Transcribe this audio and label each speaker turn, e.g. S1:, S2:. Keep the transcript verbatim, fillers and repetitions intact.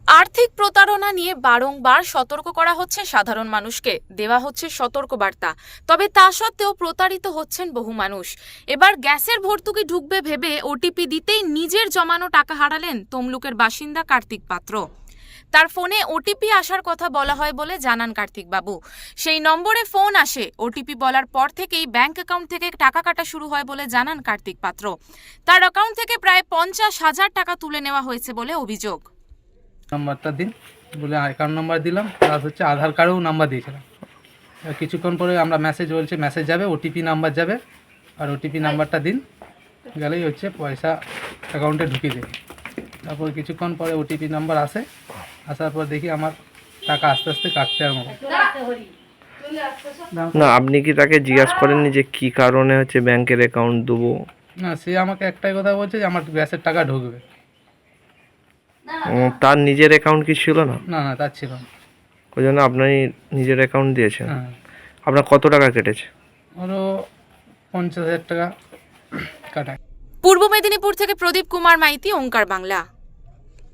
S1: আর্থিক প্রতারণা নিয়ে বারংবার সতর্ক করা হচ্ছে সাধারণ মানুষকে, দেওয়া হচ্ছে সতর্কবার্তা। তবে তা সত্ত্বেও প্রতারিত হচ্ছেন বহু মানুষ। এবার গ্যাসের ভর্তুকি ঢুকবে ভেবে ওটিপি দিতেই নিজের জমানো টাকা হারালেন তমলুকের বাসিন্দা কার্তিক পাত্র। তার ফোনে ওটিপি আসার কথা বলা হয় বলে জানান কার্তিক বাবু। সেই নম্বরে ফোন আসে, ওটিপি বলার পর থেকেই ব্যাংক অ্যাকাউন্ট থেকে টাকা কাটা শুরু হয় বলে জানান কার্তিক পাত্র। তার অ্যাকাউন্ট থেকে প্রায় পঞ্চাশ হাজার টাকা তুলে নেওয়া হয়েছে বলে অভিযোগ।
S2: নাম্বারটা দিন বলে অ্যাকাউন্ট নাম্বার দিলাম, প্লাস হচ্ছে আধার কার্ডেও নাম্বার দিয়েছিলাম। কিছুক্ষণ পরে আমরা মেসেজ বলছে মেসেজ যাবে, ওটিপি নাম্বার যাবে, আর ওটিপি নাম্বারটা দিন গেলেই হচ্ছে পয়সা অ্যাকাউন্টে ঢুকিয়ে দেবে। তারপর কিছুক্ষণ পরে ওটিপি নাম্বার আসে, আসার পর দেখি আমার টাকা আস্তে আস্তে কাটতে আরম্ভ করে।
S3: না, আপনি কি তাকে জিজ্ঞাসা করেননি যে কি কারণে হচ্ছে ব্যাংকের অ্যাকাউন্ট দেবো?
S2: না, সে আমাকে একটাই কথা বলছে যে আমার গ্যাসের টাকা ঢুকবে।
S3: উম, তার নিজের অ্যাকাউন্ট কি ছিল না?
S2: না না, তার ছিল না।
S3: ওই জন্য আপনি নিজের অ্যাকাউন্ট দিয়েছেন।
S2: হ্যাঁ,
S3: আপনার কত টাকা কেটেছে?
S2: ওরও পঞ্চাশ হাজার টাকা কাটায়।
S1: পূর্ব মেদিনীপুর থেকে প্রদীপ কুমার মাইতি, ওঙ্কার বাংলা।